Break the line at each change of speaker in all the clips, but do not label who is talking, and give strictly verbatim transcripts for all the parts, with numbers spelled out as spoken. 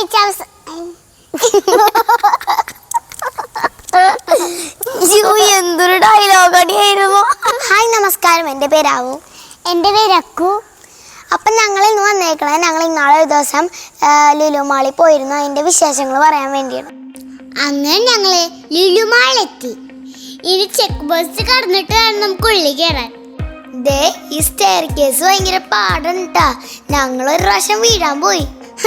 എന്തൊരു dialogue അടിയായിരുന്നു. Hi നമസ്കാരം, എൻ്റെ പേരാവു.
എൻ്റെ പേര് അക്കു.
അപ്പം ഞങ്ങൾ ഇന്ന് വന്നേക്കണേ, ഞങ്ങൾ ഇന്നാളെ ഒരു ദിവസം ലുലു മാളിൽ പോയിരുന്നു. അതിൻ്റെ വിശേഷങ്ങൾ പറയാൻ വേണ്ടിയാണ്.
അങ്ങനെ ഞങ്ങള് ലുലു മാളിലെത്തി. ഇനി ചെക്ക് പോസ്റ്റ് കടന്നിട്ട് വേണം നമുക്ക് ഉള്ളിൽ കയറാൻ.
ദേ ഈ സ്റ്റെയർ കേസ് ഭയങ്കര പാടണ്ടാ. ഞങ്ങൾ ഒരു പ്രാവശ്യം വീഴാൻ പോയി.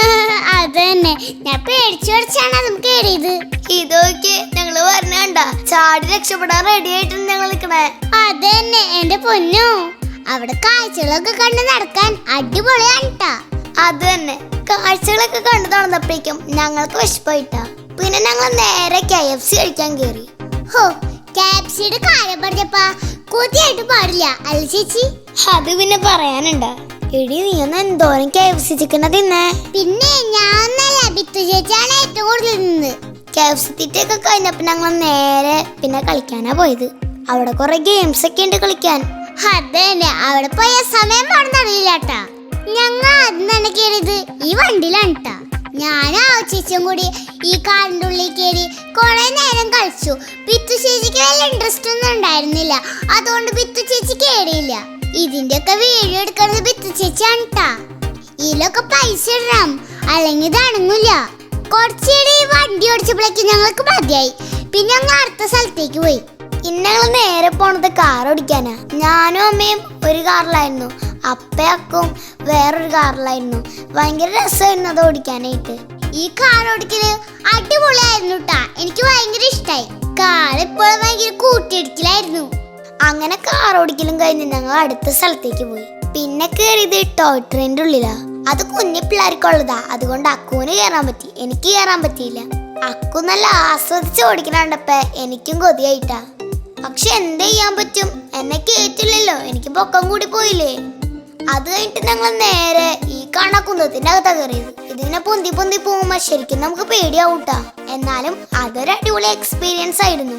അത് തന്നെ, ഞാൻ പേടിച്ചു പഠിച്ചാണ് അതും കയറിയത്.
ഇതൊക്കെ ഞങ്ങള് പറഞ്ഞണ്ട ചാടി രക്ഷപ്പെടാൻ റെഡി ആയിട്ടുണ്ട് ഞങ്ങൾ നിൽക്കണേ.
അത് തന്നെ എന്റെ പൊന്നോ, അവിടെ കാഴ്ചകളൊക്കെ കണ്ട് നടക്കാൻ അടിപൊളിയാണ്ട്ടാ.
അത് തന്നെ, കാഴ്ചകളൊക്കെ കണ്ടു നടന്നപ്പോഴേക്കും ഞങ്ങൾക്ക് വിശപ്പായിട്ടാ. പിന്നെ ഞങ്ങൾ നേരെ കെ എഫ് സി കഴിക്കാൻ കയറി.
ഹോ, കെ എഫ് സിയുടെ കാര്യം പറഞ്ഞപ്പാ കൊതിയായിട്ട് പാടില്ല അല്ല ചേച്ചി?
അത് പിന്നെ പറയാനുണ്ടാ. എടി നീ ഒന്ന് എന്തോരം കെ എഫ് സി ചിക്കൻ തിന്നേ.
പിന്നെ ഞാൻ ബിത്തു ചേച്ചിയാണ് ഏറ്റവും കൂടുതൽ നിന്നത്.
കെ എഫ് സി തീറ്റയൊക്കെ കഴിഞ്ഞപ്പോ ഞങ്ങൾ നേരെ പിന്നെ കളിക്കാനാ പോയത്. അവിടെ കുറെ ഗെയിംസ് ഒക്കെ ഉണ്ട് കളിക്കാൻ.
അതന്നെ, അവിടെ പോയ സമയം പറഞ്ഞറിയില്ലാട്ടാ. ഞങ്ങൾ ആദ്യം തന്നെ കയറിയത് ഈ വണ്ടിയിലാണ് ട്ടാ. ഞാനും ആ ചേച്ചിയും കൂടി ഈ കാറിൻ്റെ ഉള്ളിൽ കയറി കുറെ നേരം കളിച്ചു. ബിത്തു ചേച്ചിക്ക് വലിയ ഇൻട്രസ്റ്റ് ഒന്നും ഉണ്ടായിരുന്നില്ല, അതുകൊണ്ട് ബിത്തു ചേച്ചി കയറിയില്ല. ഇതിന്റെ ഒക്കെ വീഡിയോ എടുക്കുന്നത് ബിത്തു ചേച്ചിയാണ് ട്ടാ. ഇതിലൊക്കെ പൈസ ഇടണം, അല്ലെങ്കിൽ ഇത് അണങ്ങില്ല. കുറച്ചേരി വണ്ടി ഓടിച്ചപ്പോഴേക്ക് ഞങ്ങൾക്ക് മതിയായി. പിന്നെ ഞങ്ങൾ അടുത്ത സ്ഥലത്തേക്ക് പോയി.
ഇന്ന് ഞങ്ങൾ നേരെ പോണത് കാർ ഓടിക്കാനാ. ഞാനും അമ്മയും ഒരു കാറിലായിരുന്നു, അപ്പയക്കും വേറൊരു കാറിലായിരുന്നു. ഭയങ്കര രസമായിരുന്നു അത് ഓടിക്കാനായിട്ട്.
ഈ കാർ ഓടിക്കല് അടിപൊളിയായിരുന്നു ട്ടാ. എനിക്ക് ഭയങ്കര ഇഷ്ടായി. കാർ ഇപ്പോൾ ഭയങ്കര കൂട്ടിയിടിക്കലായിരുന്നു.
അങ്ങനെ കാർ ഓടിക്കലും കഴിഞ്ഞ് ഞങ്ങൾ അടുത്ത സ്ഥലത്തേക്ക് പോയി. പിന്നെ കയറിയത് ടോയ് ട്രെയിനിന്റെ ഉള്ളിലാ. അത് കുഞ്ഞു പിള്ളേർക്കുള്ളതാ, അതുകൊണ്ട് അക്കുവിന് കയറാൻ പറ്റി, എനിക്ക് കയറാൻ പറ്റിയില്ല. അക്കു നല്ല ആസ്വദിച്ച് ഓടിക്കണണ്ടപ്പോ എനിക്കും കൊതിയായിട്ടാ. പക്ഷെ എന്ത് ചെയ്യാൻ പറ്റും, എന്നെ കേറ്റില്ലല്ലോ, എനിക്ക് പൊക്കം കൂടി പോയില്ലേ. അത് കഴിഞ്ഞിട്ട് ഞങ്ങൾ നേരെ ഈ കാണ കുന്തത്തിന്റെ അകത്താ കയറിയത്. ഇതിങ്ങനെ പൊന്തി പൊന്തി പോകുമ്പോ ശരിക്കും നമുക്ക് പേടിയാവൂട്ടാ. എന്നാലും അതൊരു അടിപൊളി എക്സ്പീരിയൻസ് ആയിരുന്നു.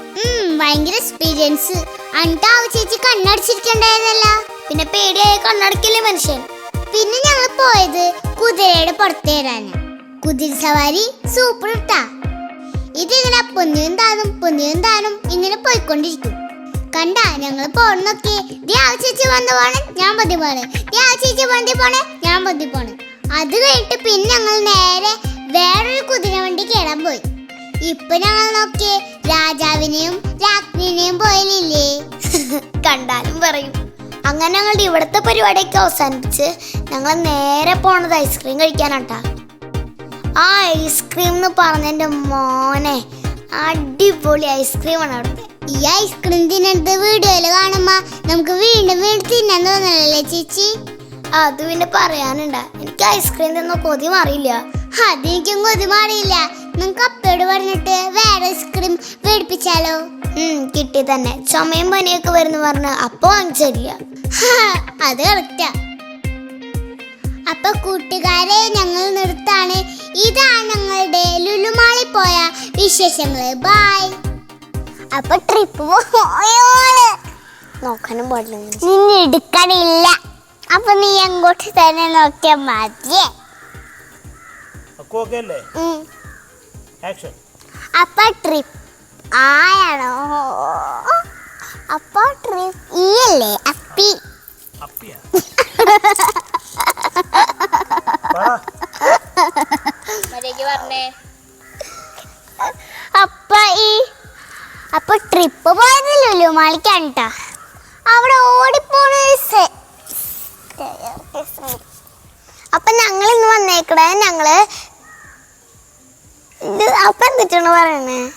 ഭയങ്കര എക്സ്പീരിയൻസ്. അണ്ടാവ് ചേച്ചി കണ്ണടിച്ചിരിക്കണ്ടായിരുന്നല്ല.
പിന്നെ പേടിയായ കണ്ണടക്കില്ലേ മനുഷ്യൻ.
പിന്നെ ഞങ്ങൾ പോയത് കുതിരയുടെ പുറത്തേറാന്. കുതിര സവാരി സൂപ്പർ ഇട്ടാ. ഇതിങ്ങനെ പൊന്നിയും താനും പൊന്നിയും താനും ഇങ്ങനെ പോയിക്കൊണ്ടിരിക്കും. കണ്ട ഞങ്ങൾ പോണൊക്കെ ചേച്ചി വന്ന് പോണേ ഞാൻ പതി പോണേ, ചേച്ചി വണ്ടി പോണേ ഞാൻ പതി പോണേ. അത് കഴിഞ്ഞിട്ട് പിന്നെ ഞങ്ങൾ നേരെ വേറൊരു കുതിര വണ്ടി കയറാൻ പോയി. ഇപ്പൊ ഞങ്ങൾ നോക്കിയേ രാജാവിനെയും രാജ്ഞിനെയും പോയില്ലേ.
കണ്ടാലും പറയും. അങ്ങനെ ഞങ്ങളുടെ ഇവിടുത്തെ പരിപാടിയൊക്കെ അവസാനിപ്പിച്ച് ഞങ്ങൾ നേരെ പോണത് ഐസ്ക്രീം കഴിക്കാനാട്ടാ. ആ ഐസ്ക്രീം എന്ന് പറഞ്ഞെന്റെ മോനെ, അടിപൊളി ഐസ്ക്രീമാണ് അവിടുത്തെ.
ഈ ഐസ്ക്രീം തിന്നത് വീഡിയോയില് കാണുമ്പോ നമുക്ക് വീണ്ടും വീണ്ടും തിന്നാൻ തോന്നലല്ലേ ചേച്ചി?
അത് പിന്നെ പറയാനുണ്ടാ, എനിക്ക് ഐസ്ക്രീം തിന്ന കൊതി മാറിയില്ല.
അതെനിക്കും കൊതി മാറിയില്ല. നമുക്ക് അപ്പയോട് പറഞ്ഞിട്ട് വേറെ ഐസ്ക്രീം മേടിപ്പിച്ചാലോ?
ഉം കിട്ടി തന്നെ. ചുമയും പനിയൊക്കെ വരുന്ന പറഞ്ഞ് അപ്പൊ വാങ്ങിച്ചില്ല.
അത് കറക്റ്റാ. അപ്പൊ കൂട്ടുകാരെ ഞങ്ങൾ നിർത്താണ്. ഇതാണ് ഞങ്ങളുടെ ലുലുമാളിൽ പോയ വിശേഷങ്ങള്. ബൈ.
അപ്പൊ ട്രിപ്പ് നോക്കാനും പാടില്ല,
നിന്നെ എടുക്കണില്ല. അപ്പൊ നീ അങ്ങോട്ട് തന്നെ നോക്കിയാ മതിയേ. അപ്പൊ ട്രിപ്പ് ആയാണോ? അപ്പൊ ട്രിപ്പ് ഈ അല്ലേ അപ്പി. അപ്പൊ ഈ അപ്പൊ ട്രിപ്പ് പോയത് ലുലുമാളിക്കാണ് ട്ടാ. അവിടെ ഓടിപ്പോണ.
അപ്പൊ ഞങ്ങൾ ഇന്ന് വന്നേക്കണേ ഞങ്ങള് അപ്പൊ എന്തിട്ടാണ് പറയണേ?